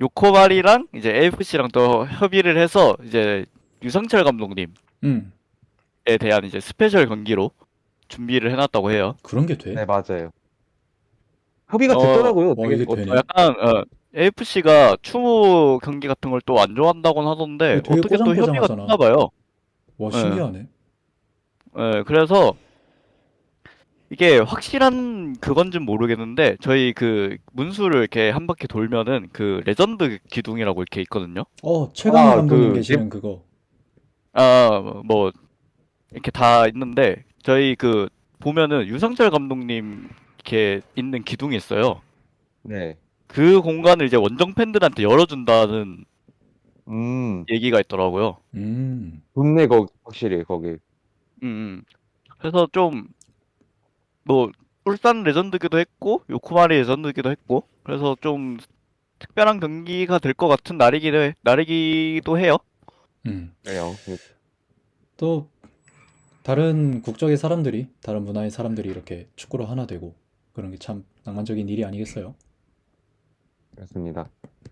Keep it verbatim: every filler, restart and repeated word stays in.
요코바리랑 이제 에이에프씨랑 또 협의를 해서 이제 유상철 감독님에 음, 대한 이제 스페셜 경기로 준비를 해놨다고 해요. 그런 게 돼? 네, 맞아요. 협의가 어, 됐더라고요. 와, 어떻게, 이게 어, 어, 되네? 약간 어, 에이에프씨가 추모 경기 같은 걸 또 안 좋아한다곤 하던데 이거 되게 어떻게 또 협의가 됐나 꼬장꼬장하잖아. 봐요. 와, 예, 신기하네. 예, 그래서 이게 확실한 그건진 모르겠는데 저희 그 문수를 이렇게 한 바퀴 돌면은 그 레전드 기둥이라고 이렇게 있거든요. 어, 최강희 아, 감독님 그, 네, 계시는 그거. 아, 뭐 이렇게 다 있는데 저희 그 보면은 유상철 감독님 이렇게 있는 기둥이 있어요. 네. 그 공간을 이제 원정 팬들한테 열어준다는 음, 얘기가 있더라고요. 음, 좋네, 거기, 확실히, 거기. 음, 음. 그래서 좀 뭐 울산 레전드기도 했고 요코마리 레전드기도 했고 그래서 좀 특별한 경기가 될 것 같은 날이기도 해, 날이기도 해요. 음. 그래요. 또, 다른 국적의 사람들이, 다른 문화의 사람들이 이렇게 축구로 하나 되고, 그런 게 참 낭만적인 일이 아니겠어요? 그렇습니다.